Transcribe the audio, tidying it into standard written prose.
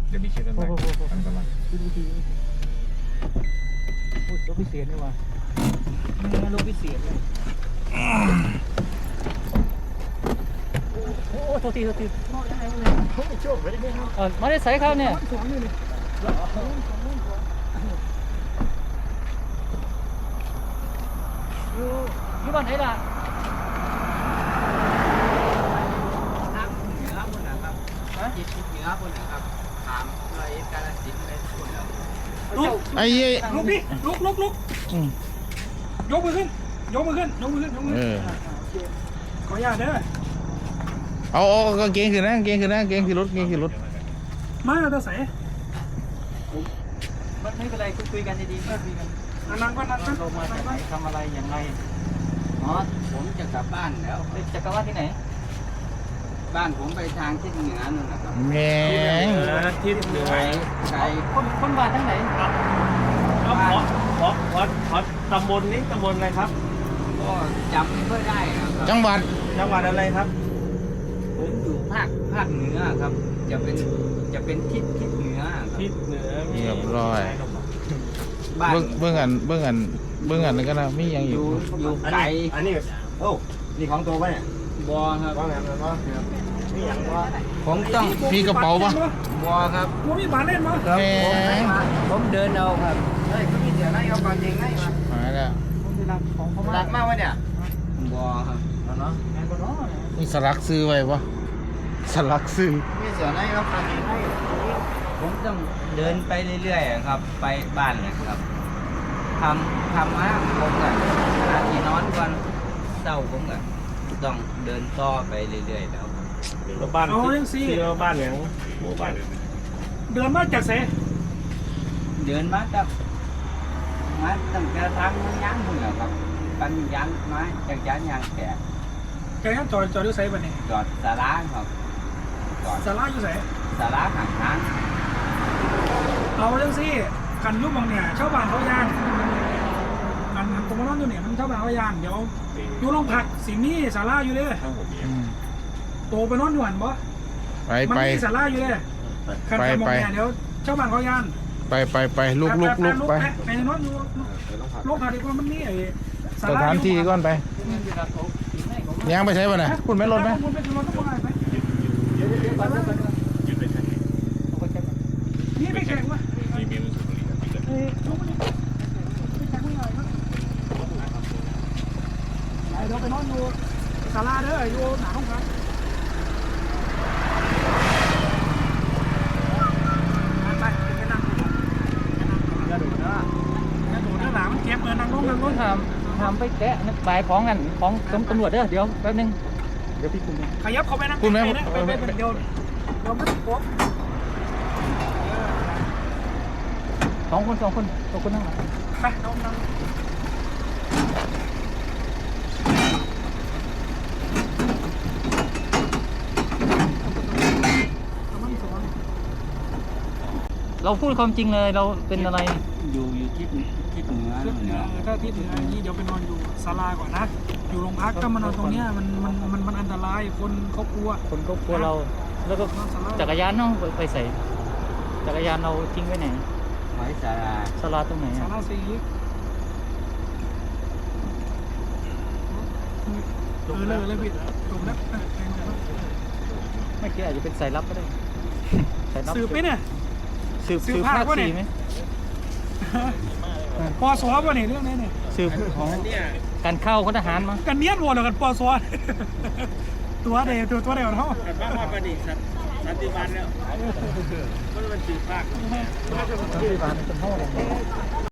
เดี๋ยวมีชื่อนั้นไหมอันตรายดูดีโอ้ยรถพิเศษนี่ว่ะรถพิเศษเลยโอ้โทษทีมาได้ใส่ครับเนี่ยอยู่บ้านไหนล่ะไอ้ยี่ลุกดิลุกยกมือขึ้นขออนุญาตเด้อเอากางเกงขึ้นนะกางเกงขึ้นรถมาเราใส่ไม่เป็นไรคุยกันดีๆคุยกันนั่งก็นั่งลงมาจากไหนทำอะไรอย่างไรอ๋อผมจะกลับบ้านแล้วจะกลับบ้านที่ไหนบ้านผมไปทางทิศเหนือนั่นแหละครับแม่งทิศเหนือไกลคนบ้านทั้งไหนขอตำบลนี้ตำบลอะไรครับก็จำไม่ค่อยได้ครับจังหวัดจังหวัดอะไรครับผมอยู่ภาคเหนือครับจะเป็นทิศเหนือครับทิศเหนือเรียบร้อยบ้านเบื้องอันแล้วก็นะมีอย่างออยู่ยู่ไกลอันนี้โอ้นี่ของตัวปะเนี่ยบอครับว่าไงมันว่านี่อย่างว่าผมต้องมีกระเป๋าปะบอครับกูมีบ้านเล่นมั้ยแม่งผมเดินเอาครับเฮ้ยก็มีเดี๋ยวไล่เอาปลาเจงไล่มาหายแล้วของเขารักมากวะเนี่ยบอครับเนาะงานก็เนาะมีสลักซื้อไว้ปะสลักซื้อมีเสือไล่เอาปลาเจงไล่ผมต้องเดินไปเรื่อยๆครับไปบ้านเลยครับทำมาผมก็ขณะที่นอนก่อนเศร้าผมก็ต้องเดินต่อไปเรื่อยๆแล้วบ้านที่บ้านอย่างหมู่บ้านเดินมาจากเสเดินมากับมาตั้งแต่ทางมันยั้งหมดแล้วครับปันยั้งมาจากยั้งยางแก่แกจอดอยู่ไสบ้านนี่จอดสาราครับจอดศาลาอยู่ไสสาราห่างทางเอาจังซี่กันยุบบางเนี่ยชาวบ้านเขาย่างมันตรงนั้นอยู่เนี่ยมันชาวบ้านเขาย่างเดี๋ยวอยู่โรงพักสิมีศาลาอยู่เด้อืมโตไปนอนอยู่หันบ่ไปมันไปมีศาลาอยู่เด้คันมองเนี่ยเดี๋ยวชาวบ้านเขาย่างไปลุกไปไปนอนอยู่โรงพักดีกว่ามันมีไอ้สถานที่ก่อนไปย่างไปใช้ป่ะน่ะคุณไม่ลดไหมคุณไปถึงรถต้องไปไหมนี่ไปแข่งวะเดี๋ยวไปนอนอยู่ศาลาเด้ออยู่หน้าห้องพักไปไปนั่งอย่าดูนะหลังมันเจ็บเงินนั่งลงทำไปแกะนึกบายของกันของตำรวจเด้อเดี๋ยวแป๊บนึงเดี๋ยวพี่คุมขยับเขาไปนั่งไปเดี๋ยวไม่ติดปุ๊บสองคนนั่งหลังไปน้องนั่งเราพูดความจริงเลยเราเป็นอะไรอยู่ทิศเหนือถ้าที่เหนือนี้เดี๋ยวไปนอนอยู่ศาลาก่อนนะอยู่โรงพักก็มานอนตรงเนี้ยมันอันตรายคนเขากลัวคนก็กลัวเราแล้วก็จักรยานน้องไปใส่จักรยานเราทิ้งไว้ไหนไว้ศาลาตรงไหนศาลาสีเลยผิดจบแล้วไม่คิดอาจจะเป็นสายลับก็ได้สายลับสืบไหมเนี่ยสืบภาค4ไหมปอสวป่ะเนี่ยเรื่องนี้เนี่ยสืบของการเข้าพลทหารมั้งกันเนียนวัวหรือกันปอสวตัวเดียวเท่ากันบ้านว่าประดิษฐ์สันติบาลแล้วมันสืบภาคสันติบาลเป็นเท่าไหร่